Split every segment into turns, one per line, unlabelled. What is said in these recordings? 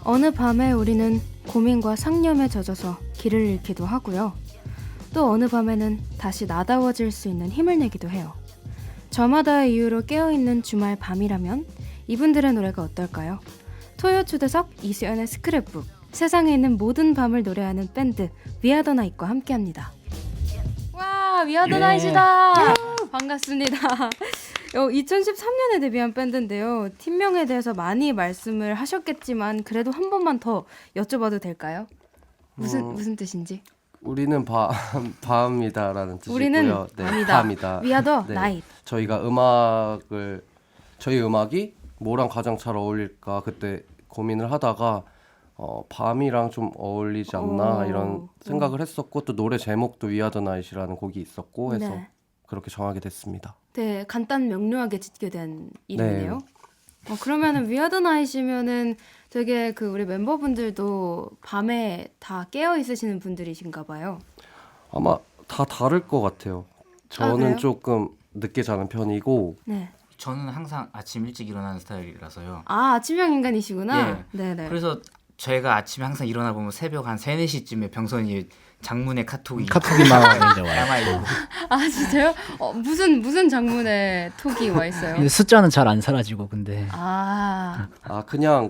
어느 밤에 우리는 고민과 상념에 젖어서 길을 잃기도 하고요. 또 어느 밤에는 다시 나다워질 수 있는 힘을 내기도 해요. 저마다의 이유로 깨어있는 주말 밤이라면 이분들의 노래가 어떨까요? 토요 초대석 이수연의 스크랩북, 세상에 있는 모든 밤을 노래하는 밴드 위아더나잇과 함께합니다. 와, 위아더나잇이다. 반갑습니다. 2013년에 데뷔한 밴드인데요. 팀명에 대해서 많이 말씀을 하셨겠지만 그래도 한 번만 더 여쭤봐도 될까요? 무슨 뜻인지?
우리는 밤이다라는 뜻이고요.
우리는 밤이다. 위아더 나잇.
저희가 저희 음악이 뭐랑 가장 잘 어울릴까 그때 고민을 하다가 밤이랑 좀 어울리지 않나 이런 생각을 했었고, 또 노래 제목도 위아더 나잇이라는 곡이 있었고 해서
네.
그렇게 정하게 됐습니다.
네, 간단 명료하게 짓게 된 이름이네요.
네.
그러면은 위아더 나잇이면은 되게 우리 멤버분들도 밤에 다 깨어 있으시는 분들이신가 봐요.
아마 다 다를 것 같아요. 저는
그래요?
조금 늦게 자는 편이고,
네.
저는 항상 아침 일찍 일어나는 스타일이라서요.
아, 아침형 인간이시구나.
예.
네네.
그래서 저희가 아침에 항상 일어나 보면 새벽 한 3, 4시쯤에 병선이 장문의 카톡이
카톡이만 이제 와요.
남아있고.
아, 진짜요? 무슨 장문에 톡이 와 있어요?
근데 숫자는 잘 안 사라지고 근데
그냥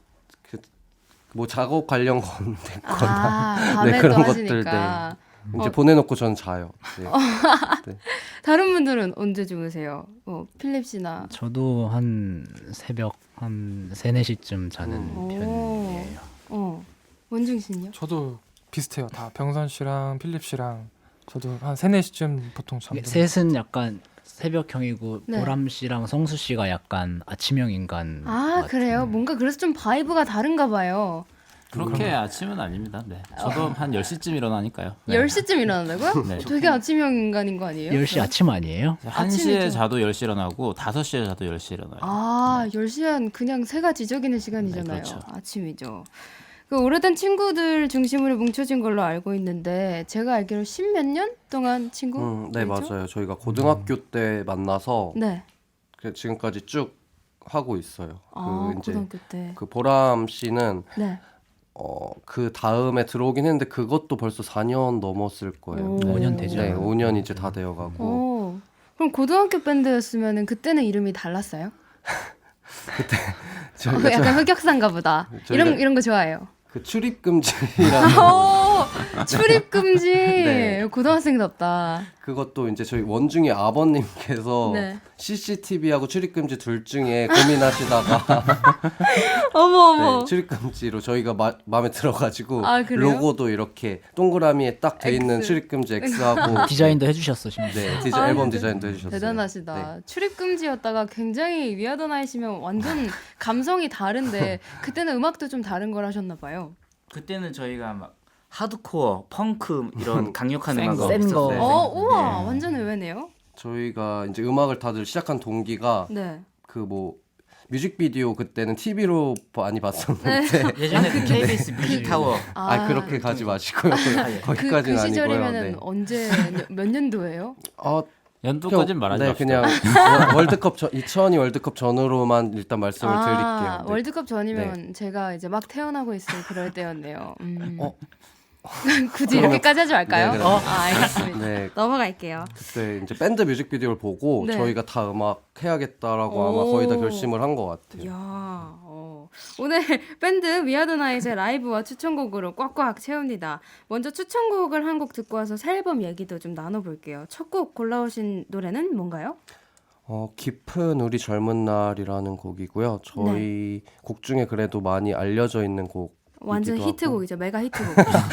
뭐 작업 관련 건데거나
밤에
네,
또
그런
하시니까.
이제 보내놓고 저는 자요. 네.
다른 분들은 언제 주무세요? 필립 씨나.
저도 한 새벽 한 3, 4시쯤 자는
오.
편이에요.
원중 씨는요?
저도 비슷해요. 다 병선 씨랑 필립 씨랑 저도 한 3, 4시쯤 보통 잠들어요.
셋은 약간 새벽형이고
네.
보람 씨랑 성수 씨가 약간 아침형 인간.
그래요? 뭔가 그래서 좀 바이브가 다른가 봐요.
그렇게 아침은 아닙니다. 네. 저도 한 10시쯤 일어나니까요. 네.
10시쯤 일어난다고요?
네.
되게 아침형 인간인 거 아니에요?
10시 아침 아니에요?
1시에
아침이죠.
자도 10시에 일어나고 5시에 자도 10시에 일어나요.
10시엔 그냥 새가 지저귀는 시간이잖아요.
네, 그렇죠.
아침이죠. 오래된 친구들 중심으로 뭉쳐진 걸로 알고 있는데 제가 알기로 10몇 년 동안 친구?
네, 맞아요. 저희가 고등학교 때 만나서
네.
지금까지 쭉 하고 있어요. 이제
고등학교 때.
보람 씨는
네.
그 다음에 들어오긴 했는데 그것도 벌써 4년 넘었을 거예요.
오.
5년 되죠.
네, 5년 이제 다 되어가고.
그럼 고등학교 밴드였으면 그때는 이름이 달랐어요?
저희가
약간 흑역사인가 보다.
저희가-
이런 거 좋아해요.
그 출입 금지라는
출입 금지.
네.
고등학생답다.
그것도 이제 저희 원중이 아버님께서
네.
CCTV하고 출입 금지 둘 중에 고민하시다가
어머.
네, 출입 금지로 저희가 마음에 들어가지고
그래요?
로고도 이렇게 동그라미에 딱 돼 있는
X.
출입 금지 X하고
디자인도 해주셨어 심지어.
네,
아,
앨범
진짜
디자인도 해주셨어요.
대단하시다.
네.
출입 금지였다가 굉장히 위아더 나이시면 완전 감성이 다른데 그때는 음악도 좀 다른 걸 하셨나 봐요.
그때는 저희가 막 하드코어, 펑크 이런 강력한
센
음악을
거.
센 거.
했었어요.
우와, 완전 의외네요.
저희가 이제 음악을 다들 시작한 동기가
네.
뮤직비디오 그때는 TV로 많이 봤었는데
예전에 그 KBS 뮤직타워
그렇게 가지 마시고요.
예.
거기까지는
그
아니고요.
시절이면은
네.
언제 몇 년도예요?
연도까지는 말하지
네,
맙시다.
그냥 월드컵 2002 월드컵 전으로만 일단 말씀을 드릴게요. 네.
월드컵 전이면 제가 이제 막 태어나고 있을 그럴 때였네요.
어?
굳이 이렇게까지 하지 말까요?
네, 그래요.
알겠습니다.
네,
넘어갈게요.
그때 이제 밴드 뮤직비디오를 보고
네.
저희가 다 음악 해야겠다라고 아마
오.
거의 다 결심을 한 것 같아요.
이야, 오늘 밴드 위아더 나잇의 라이브와 추천곡으로 꽉꽉 채웁니다. 먼저 추천곡을 한 곡 듣고 와서 새 앨범 얘기도 좀 나눠볼게요. 첫 곡 골라오신 노래는 뭔가요?
깊은 우리 젊은 날이라는 곡이고요. 저희 곡 중에 그래도 많이 알려져 있는 곡
완전
이기도
히트곡이죠. 메가 히트곡.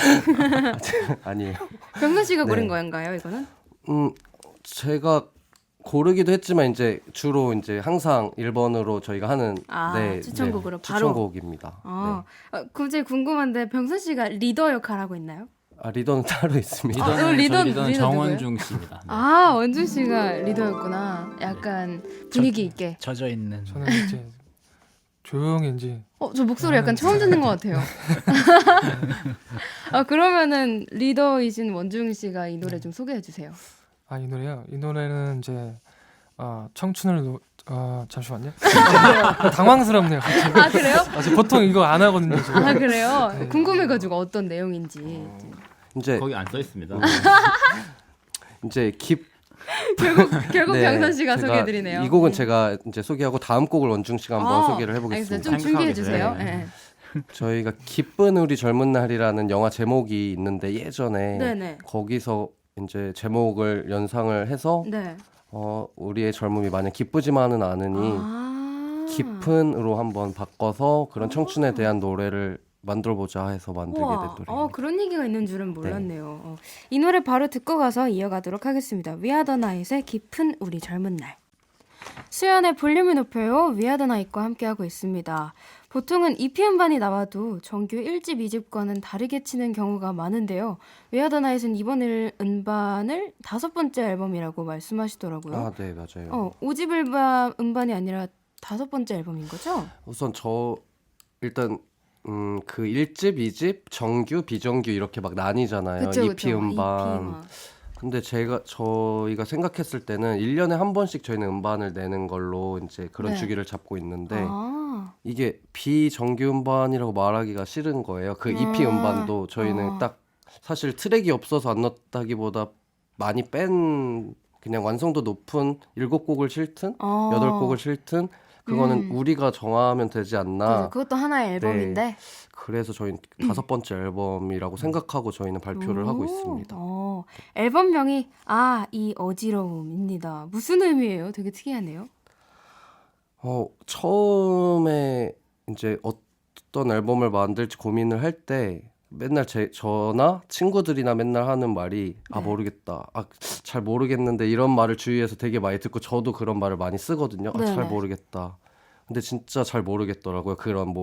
아니에요.
병선 씨가 고른
네.
거인가요, 이거는?
제가 고르기도 했지만 이제 주로 이제 항상 1번으로 저희가 하는
추천곡으로 바로?
추천곡입니다.
갑자기 궁금한데 병선 씨가 리더 역할 하고 있나요?
리더는 따로 있습니다.
리더는
리더
저희 리더는
누구예요?
정원중 씨입니다. 네.
원준 씨가 리더였구나. 약간 분위기 있게.
젖어 있는.
저는 이제 조용히 이제
저 목소리 약간 처음 듣는 것 같아요. 그러면은 리더이신 원중 씨가 이 노래 좀 소개해 주세요.
이 노래요. 이 노래는 이제 청춘을 잠시만요. 당황스럽네요. 갑자기.
아 그래요?
저 보통 이거 안 하거든요. 지금.
아 그래요?
네.
궁금해가지고 어떤 내용인지.
이제
거기 안 써 있습니다.
이제
결국
네,
병선 씨가
제가
소개해드리네요.
이 곡은
네.
제가 이제 소개하고 다음 곡을 원중 씨가 한번 소개를
알겠어요.
해보겠습니다.
좀 준비해
생각하게
주세요.
돼.
네.
저희가 기쁜 우리 젊은 날이라는 영화 제목이 있는데 예전에
네네.
거기서 이제 제목을 연상을 해서
네.
우리의 젊음이 마냥 기쁘지만은 않으니 깊은으로 한번 바꿔서 그런 청춘에 대한 노래를 만들어보자 해서 만들게 된
우와,
노래입니다.
그런 얘기가 있는 줄은 몰랐네요. 이 노래 바로 듣고 가서 이어가도록 하겠습니다. 위아더 나잇의 깊은 우리 젊은 날. 수연의 볼륨을 높여요. 위아더 나잇과 함께하고 있습니다. 보통은 EP 음반이 나와도 정규 1집, 2집과는 다르게 치는 경우가 많은데요. 위아더 나잇은 이번 음반을 5번째 앨범이라고 말씀하시더라고요.
아, 네, 맞아요.
5집 음반이 아니라 5번째 앨범인 거죠?
우선 일단 그 1집, 2집, 정규, 비정규 이렇게 막 나뉘잖아요.
그쵸,
EP
그쵸.
음반.
EP 막.
근데 저희가 생각했을 때는 1년에 한 번씩 저희는 음반을 내는 걸로 이제 그런
네.
주기를 잡고 있는데
아,
이게 비정규 음반이라고 말하기가 싫은 거예요. 그 EP 음반도 저희는 딱 사실 트랙이 없어서 안 넣었다기보다 많이 뺀 그냥 완성도 높은 7곡을 실든 8곡을 실든 그거는 우리가 정하면 되지 않나.
그래서 그것도 하나의 앨범인데.
그래서 저희는 5번째 앨범이라고 생각하고 저희는 발표를 하고 있습니다.
앨범명이 이 어지러움입니다. 무슨 의미예요? 되게 특이하네요.
처음에 이제 어떤 앨범을 만들지 고민을 할 때 맨날 저나 친구들이나 맨날 하는 말이 모르겠다. 잘 모르겠는데 이런 말을 주위에서 되게 많이 듣고 저도 그런 말을 많이 쓰거든요. 잘
네네.
모르겠다. 근데 진짜 잘 모르겠더라고요. 그런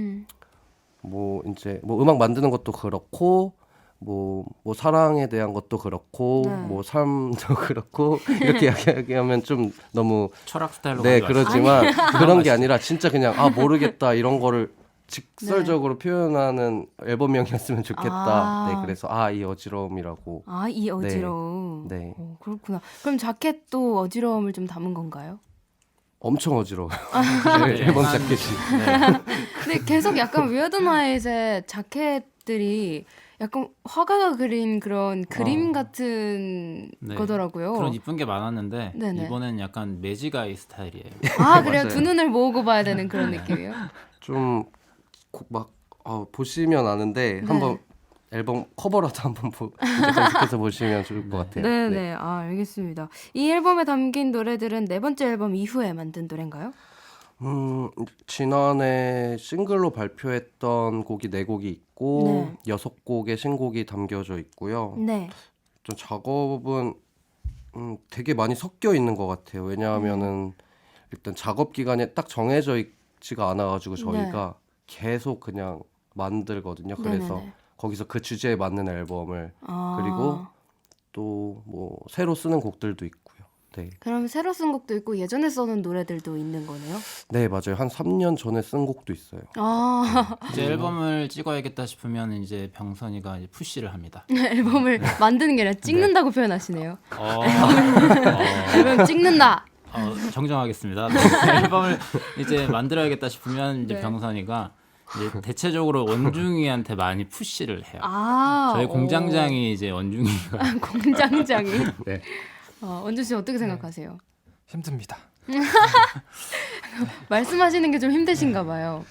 이제 음악 만드는 것도 그렇고 뭐 사랑에 대한 것도 그렇고
네.
뭐 삶도 그렇고 이렇게 이야기하면 좀 너무
철학 스타일로
네
가져가시죠.
그렇지만 그런 게 아니라 진짜 그냥 모르겠다 이런 거를 직설적으로 표현하는 앨범명이었으면 좋겠다. 네 그래서 이 어지러움이라고.
이 어지러움.
네.
그렇구나. 그럼 자켓도 어지러움을 좀 담은 건가요?
엄청 어지러워요. 네, 앨범 자켓이.
근데 계속 약간 위어드 나잇의 자켓들이 약간 화가가 그린 그런 그림 같은
네.
거더라고요.
그런 이쁜 게 많았는데
네네.
이번엔 약간 매지가이 스타일이에요.
그래요?
맞아요.
두 눈을 모으고 봐야 되는 그런 느낌이에요?
좀 막 보시면 아는데
네.
한번 앨범 커버라도 한번 이제 검색해서 보시면 좋을 것 같아요.
네네. 알겠습니다. 이 앨범에 담긴 노래들은 네 번째 앨범 이후에 만든 노래인가요?
지난해 싱글로 발표했던 곡이 4곡이 있고 6곡의 신곡이 담겨져 있고요.
네.
좀 작업은 되게 많이 섞여 있는 것 같아요. 왜냐하면은 일단 작업 기간이 딱 정해져 있지가 않아가지고 저희가 계속 그냥 만들거든요. 그래서
네네네.
거기서 그 주제에 맞는 앨범을 그리고 또 뭐 새로 쓰는 곡들도 있고요. 네.
그럼 새로 쓴 곡도 있고 예전에 써놓은 노래들도 있는 거네요?
네, 맞아요. 한 3년 전에 쓴 곡도 있어요.
이제 앨범을 찍어야겠다 싶으면 이제 병선이가 이제 푸시를 합니다.
앨범을 만드는 게 아니라 찍는다고 표현하시네요.
어,
앨범 찍는다.
정정하겠습니다. 네, 앨범을 이제 만들어야겠다 싶으면 이제
네.
병선이가 이제 대체적으로 원중이한테 많이 푸시를 해요. 저희
오.
공장장이 이제 원중이가
공장장이.
네.
원주 씨 어떻게 생각하세요?
힘듭니다.
말씀하시는 게 좀 힘드신가 봐요.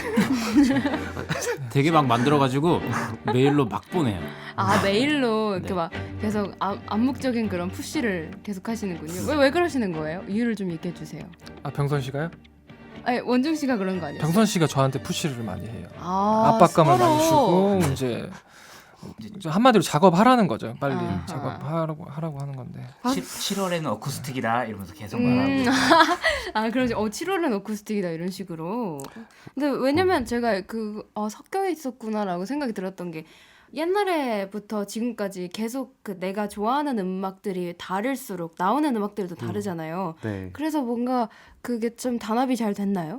되게 막 만들어가지고 메일로 막 보내요.
메일로 이렇게
네.
막 계속 암묵적인 그런 푸시를 계속 하시는군요. 왜 그러시는 거예요? 이유를 좀 얘기해 주세요.
병선 씨가요?
아니, 원중 씨가 그런 거 아니에요?
병선 씨가 저한테 푸시를 많이 해요.
서로.
압박감을 많이 주고 이제 한마디로 작업하라는 거죠. 빨리 작업하라고 하는 건데.
7월에는 어쿠스틱이다 이러면서 계속 말하고.
그럼 7월은 어쿠스틱이다 이런 식으로. 근데 왜냐면 제가 섞여 있었구나라고 생각이 들었던 게 옛날에부터 지금까지 계속 내가 좋아하는 음악들이 다를수록 나오는 음악들도 다르잖아요.
네.
그래서 뭔가 그게 좀 단합이 잘 됐나요?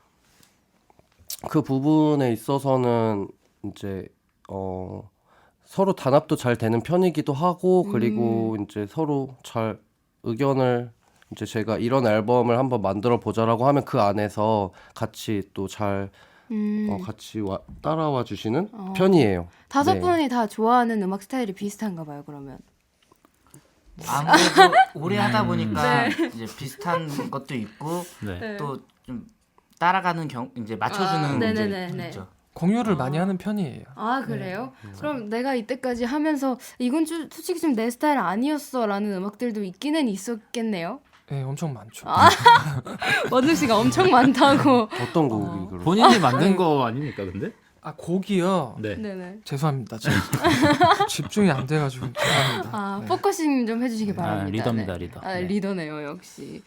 그 부분에 있어서는 이제 서로 단합도 잘 되는 편이기도 하고 그리고 이제 서로 잘 의견을 이제 제가 이런 앨범을 한번 만들어 보자라고 하면 그 안에서 같이 또 잘 같이 따라와 주시는 편이에요.
다섯
네.
분이 다 좋아하는 음악 스타일이 비슷한가 봐요. 그러면.
아무래도 오래 하다 보니까 이제 비슷한 것도 있고
네.
또 좀 따라가는 이제 맞춰주는 이제
네네네네.
있죠.
공유를 많이 하는 편이에요.
아 그래요? 그럼 내가 이때까지 하면서 이건 솔직히 좀 내 스타일 아니었어라는 음악들도 있기는 있었겠네요.
네, 엄청 많죠.
원중 씨가 엄청 많다고.
어떤 곡이 그럼?
본인이 만든 거 아닙니까 근데?
아 곡이요.
네.
네네.
죄송합니다. 지금 집중이 안 돼가지고 죄송합니다.
아 포커싱 좀 해주시기 바랍니다.
리더입니다,
네.
리더.
아
네.
리더네요 역시.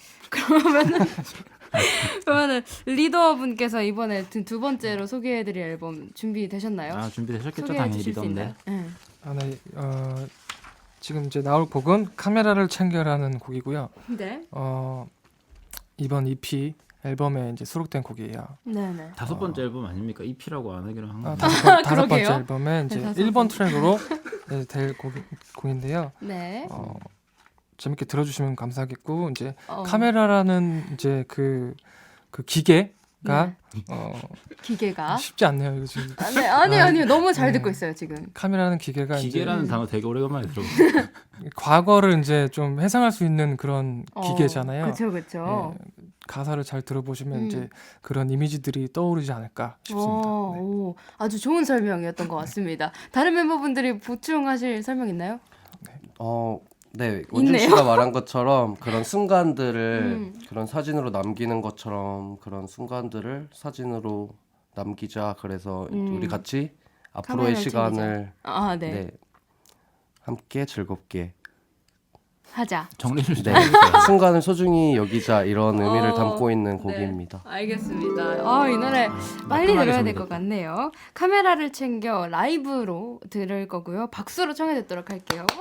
그러면은 리더분께서 이번에 두 번째로 소개해드릴 앨범 준비되셨나요?
아 준비되셨겠죠
소개해
당연히
주실 수
리더인데.
있나요? 네.
아, 네, 지금 이제 나올 곡은 카메라를 챙겨라는 곡이고요.
네.
이번 EP 앨범에 이제 수록된 곡이에요.
네네.
다섯 번째 앨범 아닙니까? EP라고 안 하기로 한 거.
다섯 번째
그러게요.
앨범에 이제
네, 다섯
1번 트랙으로 네, 될 곡인데요.
네.
재밌게 들어주시면 감사하겠고 이제
어.
카메라라는 이제 그 기계가
기계가.
쉽지 않네요. 이거 지금
아, 네, 아니요. 너무 잘 듣고 있어요 지금.
카메라는 기계가
기계라는
이제
단어 되게 오래간만에 들어봤어요.
과거를 이제 좀 해상할 수 있는 그런 기계잖아요.
그렇죠.
예, 가사를 잘 들어보시면
음.
이제 그런 이미지들이 떠오르지 않을까 싶습니다. 네.
오, 아주 좋은 설명이었던 것 같습니다. 다른 멤버분들이 보충하실 설명 있나요?
네, 원중
있네요.
씨가 말한 것처럼 그런 순간들을 그런 사진으로 남기는 것처럼 그런 순간들을 사진으로 남기자. 그래서 우리 같이 앞으로의
카메라를
시간을
아, 네.
네, 함께 즐겁게
하자.
정리를 좀
네,
해주세요.
순간을 소중히 여기자 이런 의미를
어,
담고 있는
네.
곡입니다.
알겠습니다. 이 노래 빨리
깔끔하게
들어야 될 것
정리됐다.
같네요. 카메라를 챙겨 라이브로 들을 거고요. 박수로 청해 듣도록 할게요. 와!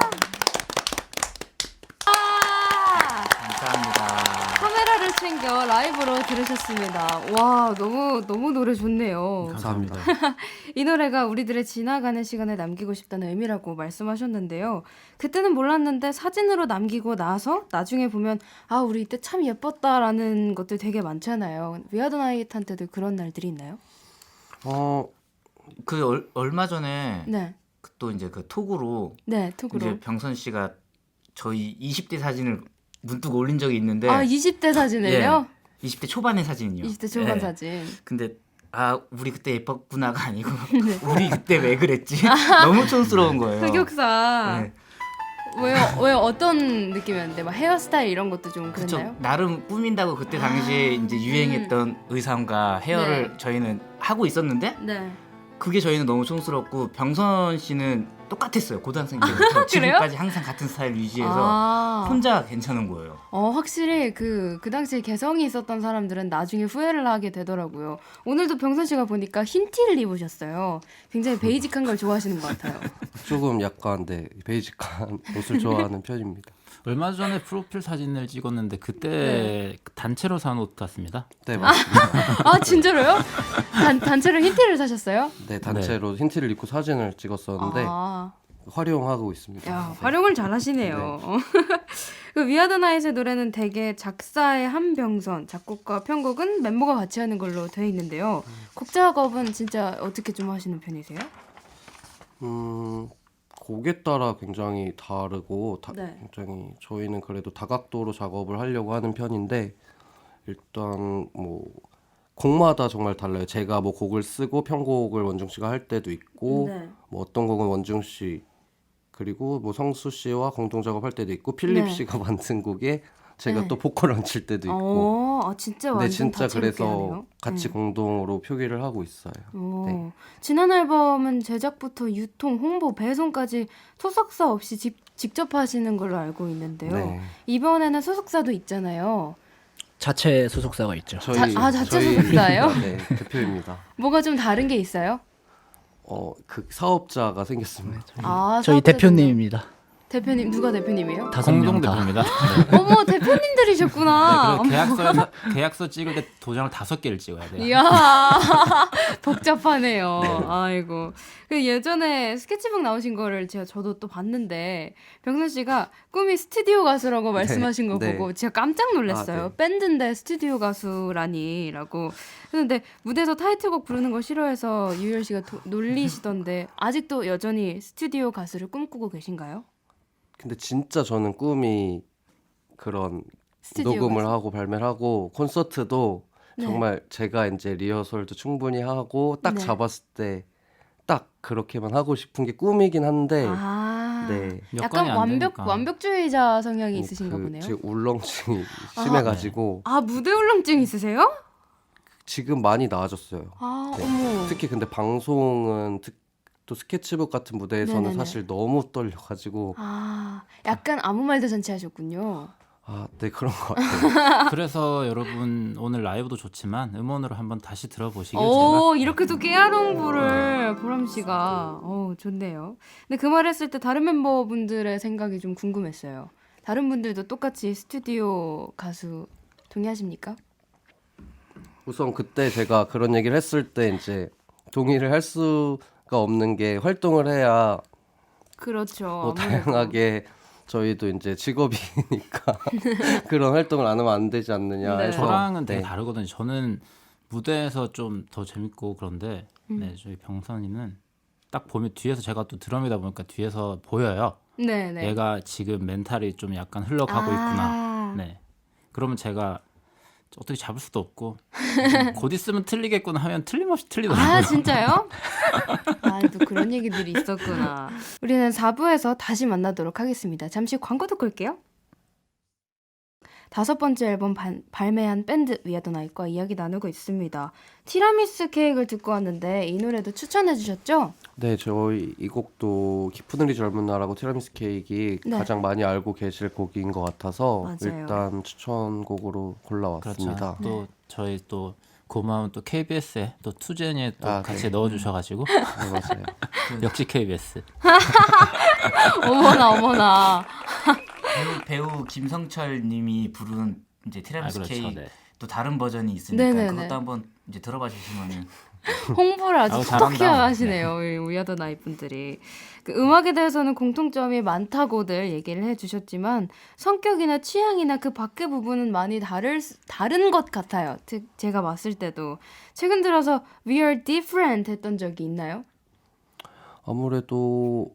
감사합니다.
카메라를 챙겨 라이브로 들으셨습니다. 와, 너무 노래 좋네요.
감사합니다.
이 노래가 우리들의 지나가는 시간을 남기고 싶다는 의미라고 말씀하셨는데요. 그때는 몰랐는데 사진으로 남기고 나서 나중에 보면 우리 이때 참 예뻤다라는 것들 되게 많잖아요. 위아더 나잇한테도 그런 날들이 있나요?
그 얼마 전에
네.
또 이제 그 톡으로
네, 톡으로.
이제 병선 씨가 저희 20대 사진을 문득 올린 적이 있는데
20대 사진을요?
20대 초반의 사진이요.
20대 초반
예.
사진.
근데 우리 그때 예뻤구나가 아니고
네.
우리 그때 왜 그랬지? 너무 촌스러운 거예요.
흑역사.
네.
왜요? 어떤 느낌이었는데? 막 헤어스타일 이런 것도 좀
그쵸.
그랬나요?
나름 꾸민다고 그때 당시에 이제 유행했던 의상과 헤어를 저희는 하고 있었는데
네.
그게 저희는 너무 촌스럽고 병선 씨는 똑같았어요. 고등학생 때부터 지금까지 항상 같은 스타일 유지해서 혼자 괜찮은 거예요.
확실히 그 당시에 개성이 있었던 사람들은 나중에 후회를 하게 되더라고요. 오늘도 병선 씨가 보니까 흰 티를 입으셨어요. 굉장히 베이직한 걸 좋아하시는 것 같아요.
조금 약간 베이직한 옷을 좋아하는 편입니다.
얼마 전에 프로필 사진을 찍었는데 그때
네.
단체로 산 옷 같습니다.
네, 맞습니다.
진짜로요? 단체로 흰 티를 사셨어요?
네, 단체로 흰티를 입고 사진을 찍었었는데 활용하고 있습니다.
야, 활용을 잘 하시네요. 그 위아더 나잇의 노래는 대개 작사의 한병선, 작곡과 편곡은 멤버가 같이 하는 걸로 되어 있는데요. 곡 작업은 진짜 어떻게 좀 하시는 편이세요?
곡에 따라 굉장히 다르고
네.
굉장히 저희는 그래도 다각도로 작업을 하려고 하는 편인데 일단 뭐 곡마다 정말 달라요. 제가 뭐 곡을 쓰고 편곡을 원중 씨가 할 때도 있고
네.
뭐 어떤 곡은 원중 씨 그리고 뭐 성수 씨와 공동 작업할 때도 있고 필립
네.
씨가 만든 곡에 제가
네.
또 보컬 얹힐 때도 있고
진짜
근데
완전
진짜
다채롭게
그래서
하네요.
같이 공동으로 표기를 하고 있어요. 네.
지난 앨범은 제작부터 유통, 홍보, 배송까지 소속사 없이 직접 하시는 걸로 알고 있는데요.
네.
이번에는 소속사도 있잖아요.
자체 소속사가 있죠.
자체 소속사예요?
네, 대표입니다.
뭐가 좀 다른 게 있어요?
그 사업자가 생겼습니다.
저희
사업자분들.
대표님입니다.
대표님 누가 대표님이에요?
공동
다.
대표입니다. 네.
어머 대표님들이셨구나.
네, 그리고 계약서 찍을 때 도장을 5개를 찍어야 돼요.
이야 복잡하네요. 아이고 그 예전에 스케치북 나오신 거를 저도 또 봤는데 병선 씨가 꿈이 스튜디오 가수라고 말씀하신 거
네.
보고 제가 깜짝 놀랐어요.
아, 네.
밴드인데 스튜디오 가수라니라고. 근데 무대에서 타이틀곡 부르는 거 싫어해서 유열 씨가 놀리시던데 아직도 여전히 스튜디오 가수를 꿈꾸고 계신가요?
근데 진짜 저는 꿈이 그런
스튜디오
녹음을
가수?
하고 발매를 하고 콘서트도
네.
정말 제가 이제 리허설도 충분히 하고 딱
네.
잡았을 때 딱 그렇게만 하고 싶은 게 꿈이긴 한데
아
네.
약간
여건이 안 되니까.
완벽주의자 성향이 있으신가
그
보네요.
지금 울렁증이 심해가지고
아 무대 울렁증 있으세요?
지금 많이 나아졌어요.
아
네.
어머.
특히 근데 방송은 또 스케치북 같은 무대에서는
네네네.
사실 너무 떨려가지고
아 약간 아무 말도 잔치 하셨군요.
네 그런 것 같아요.
그래서 여러분 오늘 라이브도 좋지만 음원으로 한번 다시 들어보시길 제가
오 이렇게 또 깨알홍보를 보람 씨가 좋네요. 근데 그 말 했을 때 다른 멤버분들의 생각이 좀 궁금했어요. 다른 분들도 똑같이 스튜디오 가수 동의하십니까?
우선 그때 제가 그런 얘기를 했을 때 이제 동의를 할 수가 없는 게 활동을 해야
그렇죠.
뭐
아무래도.
다양하게 저희도 이제 직업이니까 그런 활동을 안 하면 안 되지 않느냐
네.
해서
저랑은 되게
네.
다르거든요. 저는 무대에서 좀 더 재밌고 그런데
음.
네, 저희 병선이는 딱 보면 뒤에서 제가 또 드럼이다 보니까 뒤에서 보여요.
네네.
얘가 지금 멘탈이 좀 약간 흘러가고 있구나. 네. 그러면 제가 어떻게 잡을 수도 없고 곧 있으면 틀리겠구나 하면 틀림없이 틀리더라고요.
아 진짜요? 아 또 그런 얘기들이 있었구나. 우리는 4부에서 다시 만나도록 하겠습니다. 잠시 광고 듣고 올게요. 5번째 앨범 발매한 밴드 위아더 나잇과 이야기 나누고 있습니다. 티라미수 케이크를 듣고 왔는데 이 노래도 추천해 주셨죠?
네, 저희 이 곡도 깊은 우리 젊은 나라고 티라미수 케이크
네.
가장 많이 알고 계실 곡인 것 같아서
맞아요.
일단 추천곡으로 골라왔습니다.
그렇죠. 또 저희 또 고마운 또 KBS에 또 투제니에 또
아,
같이
네.
넣어주셔가지고
네, 맞아요.
역시 KBS.
어머나.
배우 김성철 님이 부른 이제 티라미수
그렇죠.
케이크
네.
또 다른 버전이 있으니까
네네네.
그것도 한번 이제 들어봐 주시면은
홍보를 아주
아우,
톡톡히
잘한다.
하시네요. 위아더 나잇 분들이. 그 음악에 대해서는 공통점이 많다고들 얘기를 해주셨지만 성격이나 취향이나 그 밖의 부분은 많이 다른 것 같아요. 제가 봤을 때도 최근 들어서 We are different 했던 적이 있나요?
아무래도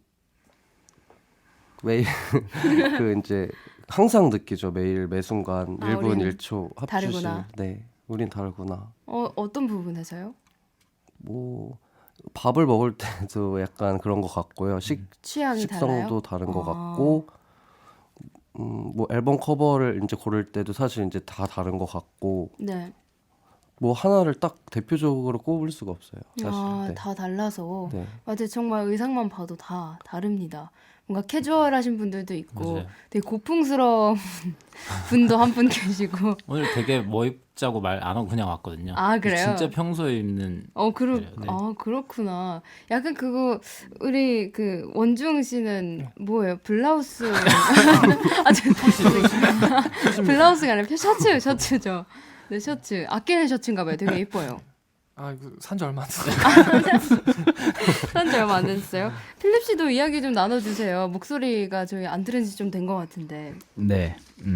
매일 그 이제 항상 느끼죠. 매일 매 순간
아,
1분
우리는
1초 합주실.
다르구나.
네, 우린 다르구나.
어떤 부분에서요?
뭐 밥을 먹을 때도 약간 그런 것 같고요.
취향이 달라요?
식성도 다른 것
아.
같고, 뭐 앨범 커버를 이제 고를 때도 사실 이제 다 다른 것 같고,
네.
뭐 하나를 딱 대표적으로 꼽을 수가 없어요. 사실. 네.
다 달라서.
네.
맞아요. 정말 의상만 봐도 다 다릅니다. 뭔가 캐주얼하신 분들도 있고
맞아요.
되게 고풍스러운 분도 한 분 계시고.
오늘 되게 뭐 입자고 말 안 하고 그냥 왔거든요.
아, 그래요?
진짜 평소에 입는 네.
그렇구나. 약간 그거 우리 그 원중 씨는 뭐예요? 블라우스 블라우스가 아니라 셔츠죠. 네, 셔츠. 아끼는 셔츠인가 봐요. 되게 예뻐요.
아 이거 산지 얼마 안 됐어요.
산지 얼마 안 됐어요. 필립 씨도 이야기 좀 나눠주세요. 목소리가 저희 안 들은 지 좀 된 것 같은데.
네.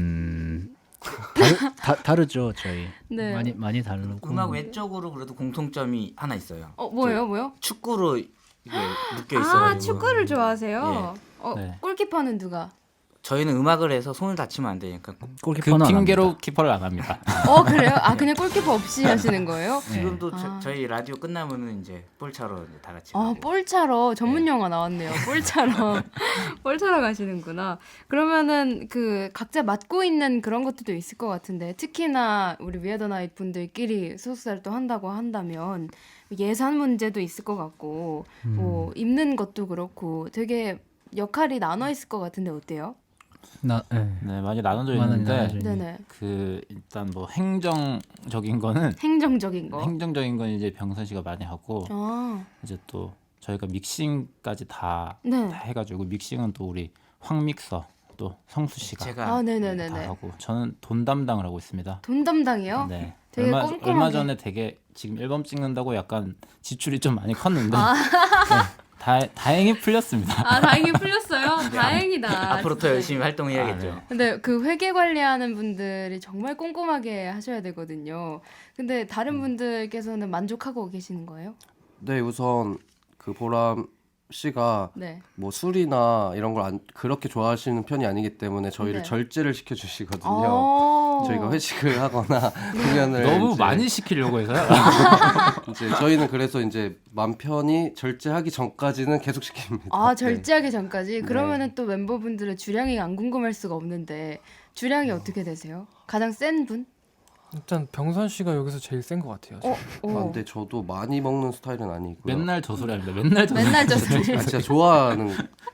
다르죠 저희.
네.
많이 다르고.
음악 외적으로 그래도 공통점이 하나 있어요.
뭐요?
축구로 이게 묶여 있어요.
아, 축구를 좋아하세요?
네.
골키퍼는 누가?
저희는 음악을 해서 손을 다치면 안 되니까
그
골키퍼는 안
핑계로
합니다.
키퍼를 안 합니다.
그래요? 그냥 골키퍼 없이 하시는 거예요?
네.
지금도
아.
저희 라디오 끝나면은 이제 볼 차러 이제 다 같이.
볼 차러 전문 영화 나왔네요. 볼 차러 볼 차러 가시는구나. 그러면은 그 각자 맡고 있는 그런 것들도 있을 것 같은데 특히나 우리 위아더 나잇 분들끼리 소속사를 한다고 한다면 예산 문제도 있을 것 같고 뭐 입는 것도 그렇고 되게 역할이 나눠 있을 것 같은데 어때요?
네.
네, 많이 나눠져
많이
있는데
나눠져 있는.
네네.
그 일단 뭐 행정적인 거는
행정적인 거.
행정적인 건 이제 병선 씨가 많이 하고
아,
이제 또 저희가 믹싱까지 다
네.
해가지고 믹싱은 또 우리 황믹서 또 성수 씨가
제가
다
네네네네.
하고 저는 돈 담당을 하고 있습니다.
돈 담당이요?
네.
되게 꼼꼼하게.
얼마 전에 되게 지금 앨범 찍는다고 약간 지출이 좀 많이 컸는데 네, 다행히 풀렸습니다.
아, 다행히 풀렸어요. 다행이다.
앞으로 더
진짜.
열심히 활동해야겠죠.
아, 네.
근데 그 회계 관리하는 분들이 정말 꼼꼼하게 하셔야 되거든요. 근데 다른 분들께서는 만족하고 계시는 거예요?
네, 우선 그 보람 씨가
네.
뭐 술이나 이런 걸 그렇게 좋아하시는 편이 아니기 때문에 저희를
네.
절제를 시켜주시거든요.
아~
저희가 회식을 하거나 공연을
너무
이제
많이 시키려고 해서요.
이제 저희는 그래서 이제 맘 편히 절제하기 전까지는 계속 시킵니다.
아,
네.
절제하기 전까지? 그러면은 또 멤버분들의 주량이 안 궁금할 수가 없는데 주량이 어떻게 되세요? 가장 센 분?
일단 병선 씨가 여기서 제일 센 것 같아요.
아, 근데 저도 많이 먹는 스타일은 아니고요.
맨날 저 소리 합니다. 맨날 저 소리.
맨날 저 소리.
아, 진짜 좋아하는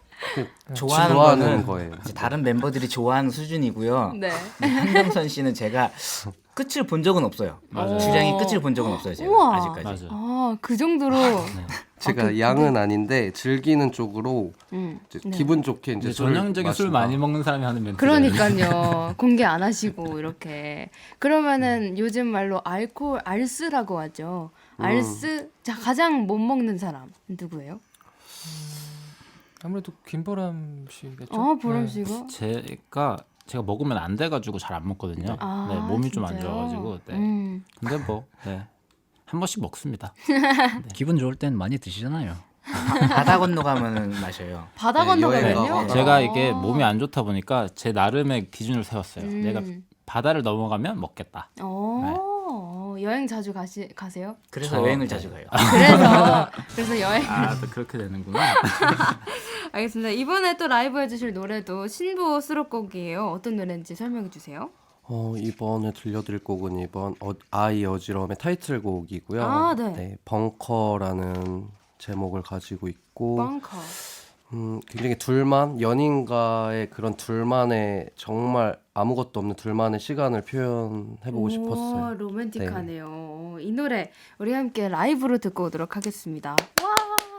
좋아하는
거예요.
이제 다른 멤버들이 좋아하는 수준이고요.
네.
한병선 씨는 제가 끝을 본 적은 없어요.
맞아요.
주량이 끝을 본 적은 없어요. 제가
우와.
아직까지.
맞아요.
아, 그 정도로.
제가 양은 아닌데 즐기는 쪽으로 이제
네.
기분 좋게 이제
이제
술을
전형적인 술
마신다.
많이 먹는 사람이 하는 멘트.
그러니까요. 공개 안 하시고 이렇게. 그러면은 요즘 말로 알스라고 하죠. 알스. 자, 가장 못 먹는 사람 누구예요?
아무래도 김보람 씨겠죠.
아, 보람
네.
씨가.
제가 먹으면 안 돼가지고 잘 안 먹거든요.
아,
네, 몸이 좀 안
진짜요?
좋아가지고. 네. 근데 뭐 한 번씩 먹습니다.
기분 좋을 땐 많이 드시잖아요.
바다 건너가면은 마셔요.
바다
네,
건너가면요?
여행 가거나.
제가 이게 몸이 안 좋다 보니까 제 나름의 기준을 세웠어요. 내가
음.
바다를 넘어가면 먹겠다.
여행 자주 가세요?
그래서
저-
여행을 자주 가요.
그래서 여행.
아, 또 그렇게 되는구나.
알겠습니다. 이번에 또 라이브 해주실 노래도 신보 수록곡이에요. 어떤 노래인지 설명해 주세요.
이번에 들려드릴 곡은 아이 어지러움의 타이틀곡이고요.
아, 네.
벙커라는 제목을 가지고 있고
벙커.
굉장히 연인과의 그런 둘만의 정말 아무것도 없는 둘만의 시간을 표현해보고 싶었어요.
로맨틱하네요. 이 노래 우리 함께 라이브로 듣고 오도록 하겠습니다. 와!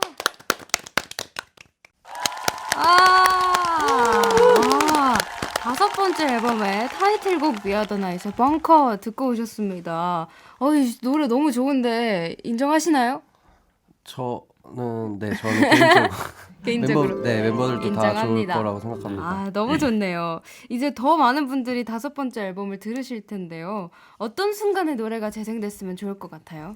다섯 번째 앨범의 타이틀곡 위아더나잇의 벙커 듣고 오셨습니다. 이 노래 너무 좋은데 인정하시나요?
저는
개인적으로.
멤버들도 다 좋을
인정합니다.
거라고 생각합니다.
아, 너무 좋네요. 이제 더 많은 분들이 다섯 번째 앨범을 들으실 텐데요. 어떤 순간에 노래가 재생됐으면 좋을 것 같아요?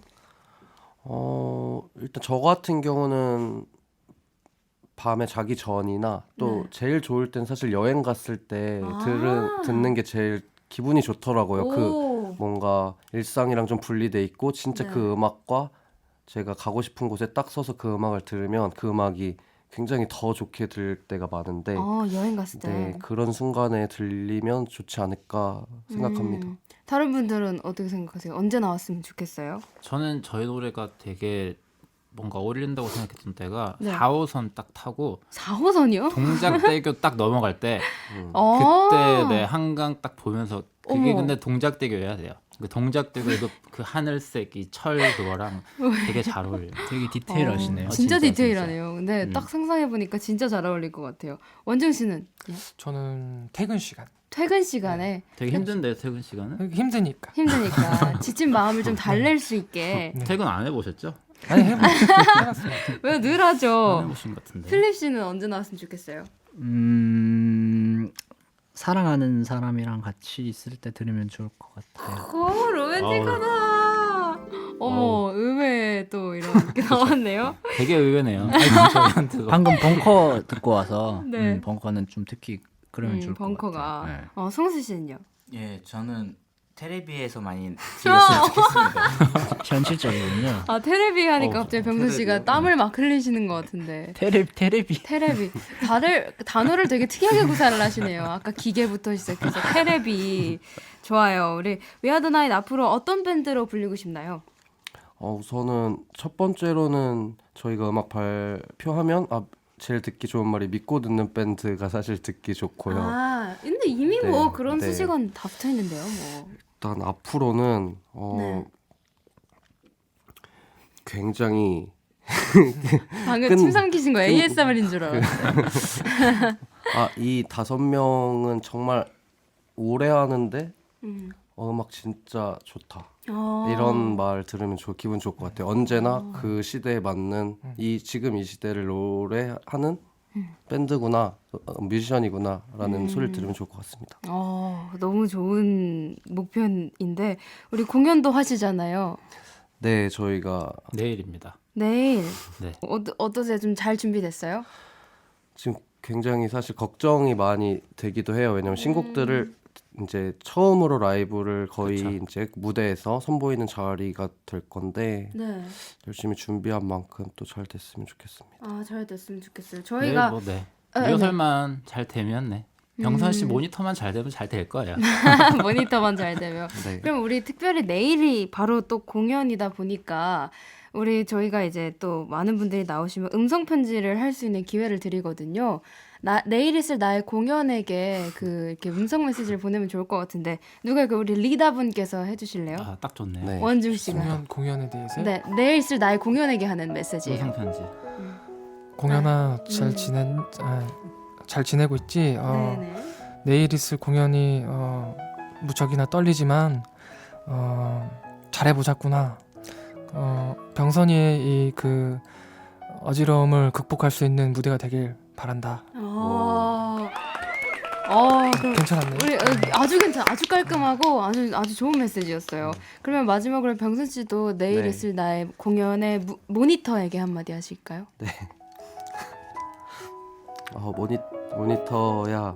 일단 저 같은 경우는 밤에 자기 전이나 또 제일 좋을 땐 사실 여행 갔을 때 듣는 게 제일 기분이 좋더라고요. 그 뭔가 일상이랑 좀 분리돼 있고 진짜 그 음악과 제가 가고 싶은 곳에 딱 서서 그 음악을 들으면 그 음악이 굉장히 더 좋게 들릴 때가 많은데
여행 갔을 때.
네, 그런 순간에 들리면 좋지 않을까 생각합니다.
다른 분들은 어떻게 생각하세요? 언제 나왔으면 좋겠어요?
저는 저희 노래가 되게 뭔가 어울린다고 생각했던 때가
네.
4호선 딱 타고
4호선이요?
동작대교 딱 넘어갈 때 그때 한강 딱 보면서 그게
어머.
근데 동작대교여야 돼요. 그 동작대교도 그 하늘색 이 철 그거랑 되게 잘 어울려요.
되게 디테일하시네요.
진짜
진짜,
디테일하네요. 근데 딱 상상해보니까 진짜 잘 어울릴 것 같아요. 원정 씨는
저는 퇴근 시간.
퇴근 시간에
되게 힘든데 퇴근 시간은?
힘드니까.
힘드니까 지친 마음을 좀 달랠 수 있게.
퇴근 안 해보셨죠?
아니 해봤어요.
왜 늘
안
하죠?
해보신 것 같은데.
필립 씨는 언제 나왔으면 좋겠어요?
사랑하는 사람이랑 같이 있을 때 들으면 좋을 것 같아요.
오, 로맨틱하다. 어머, 의외에 또 이런 게 나왔네요.
되게 의외네요. 저희한테도.
방금 벙커 듣고 와서
네.
벙커는 좀 특히 그러면 좋을 것
벙커가.
같아요. 네.
성수 씨는요?
예, 저는 테레비에서 많이 들렸으면 좋겠습니다.
현실적이군요.
테레비 하니까 갑자기 병수 씨가
테레비요?
땀을 막 흘리시는 것 같은데.
테레비.
테레비. 단어를 되게 특이하게 구사를 하시네요. 아까 기계부터 시작해서 테레비. 좋아요. 우리 위아더나잇 앞으로 어떤 밴드로 불리고 싶나요?
우선은 첫 번째로는 저희가 음악 발표하면 제일 듣기 좋은 말이 믿고 듣는 밴드가 사실 듣기 좋고요.
근데 이미 뭐
네,
그런
네.
수식어는 다 붙어 있는데요, 뭐.
일단 앞으로는
네.
굉장히
방금 침 삼키신 거 ASMR인 줄 알았어요.
이 5명은 정말 오래 하는데 음악 진짜 좋다. 이런 말 들으면 기분 좋을 것 같아요. 언제나 그 시대에 맞는 지금 이 시대를 노래하는 밴드구나, 뮤지션이구나라는 소리를 들으면 좋을 것 같습니다.
너무 좋은 목표인데 우리 공연도 하시잖아요.
네, 저희가
내일입니다.
내일
네.
어떠세요? 좀 잘 준비됐어요?
지금 굉장히 사실 걱정이 많이 되기도 해요. 왜냐면 신곡들을 이제 처음으로 라이브를 거의
그쵸.
이제 무대에서 선보이는 자리가 될 건데
네.
열심히 준비한 만큼 또 잘 됐으면 좋겠습니다.
잘 됐으면 좋겠어요.
내일
저희가
뭐 네.
네.
리허설만 잘 되면 네. 병선 씨 모니터만 잘 되면 잘 될 거예요.
모니터만 잘 되면.
네.
그럼 우리 특별히 내일이 바로 또 공연이다 보니까 저희가 이제 또 많은 분들이 나오시면 음성 편지를 할 수 있는 기회를 드리거든요. 내일 있을 나의 공연에게 이렇게 음성 메시지를 보내면 좋을 것 같은데 누가 우리 리더분께서 해주실래요?
딱 좋네요.
네.
원중 씨가.
공연에 대해서
네, 내일 있을 나의 공연에게 하는 메시지예요.
음성 편지.
공연아 잘 지내고 있지?
네네.
내일 있을 공연이 무척이나 떨리지만 잘해보자꾸나. 병선이의 그 어지러움을 극복할 수 있는 무대가 되길 바란다.
그럼
괜찮았네.
우리 아주 깔끔하고 아주 좋은 메시지였어요. 그러면 마지막으로 병선 씨도 내일
네.
있을 나의 공연의 모니터에게 한마디 하실까요?
모니터야,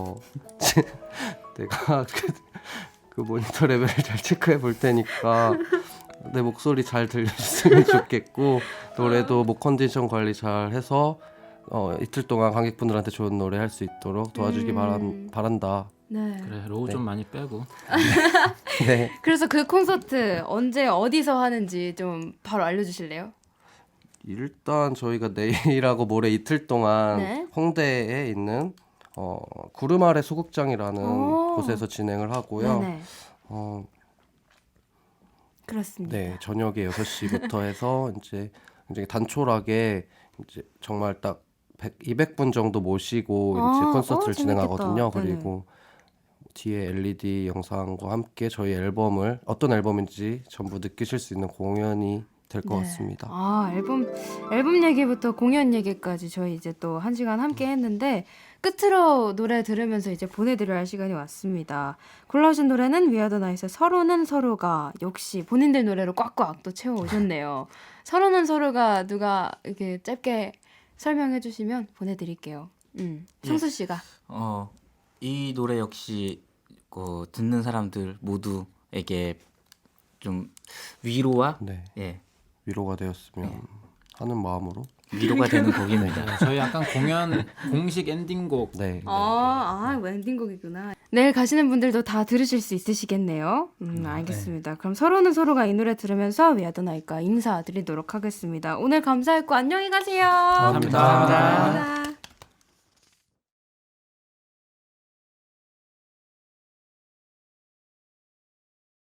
내가 그 모니터 레벨을 잘 체크해 볼 테니까 내 목소리 잘 들려줬으면 좋겠고 노래도 목 컨디션 관리 잘 해서 이틀 동안 관객분들한테 좋은 노래 할 수 있도록 도와주기 바란다.
네.
그래 로우 좀 많이 빼고.
네.
그래서 그 콘서트 언제 어디서 하는지 좀 바로 알려주실래요?
일단 저희가 내일하고 모레 이틀 동안
네.
홍대에 있는 구름 아래 소극장이라는
오.
곳에서 진행을 하고요.
네네. 그렇습니다.
네, 저녁에 6시부터 해서 이제 굉장히 단촐하게 이제 정말 딱 200분 정도 모시고 이제 콘서트를 진행하거든요.
재밌겠다.
그리고 뒤에 LED 영상과 함께 저희 앨범을 어떤 앨범인지 전부 느끼실 수 있는 공연이 될 것 같습니다.
앨범 얘기부터 공연 얘기까지 저희 이제 또 1시간 함께 했는데 끝으로 노래 들으면서 이제 보내드려야 할 시간이 왔습니다. 골라오신 노래는 위아더 나잇의 서로는 서로가 역시 본인들 노래로 꽉꽉 또 채워오셨네요. 서로는 서로가 누가 이렇게 짧게 설명해 주시면 보내드릴게요. 성수 씨가.
이 노래 역시 듣는 사람들 모두에게 좀 위로와
네. 위로가 되었으면 하는 마음으로.
위로가 되는 곡입니다.
네, 저희 약간 공연 공식 엔딩곡.
네.
엔딩곡이구나. 내일 가시는 분들도 다 들으실 수 있으시겠네요. 알겠습니다. 그럼 서로는 서로가 이 노래 들으면서 위아더 나잇과 인사드리도록 하겠습니다. 오늘 감사했고 안녕히 가세요.
감사합니다.
감사합니다.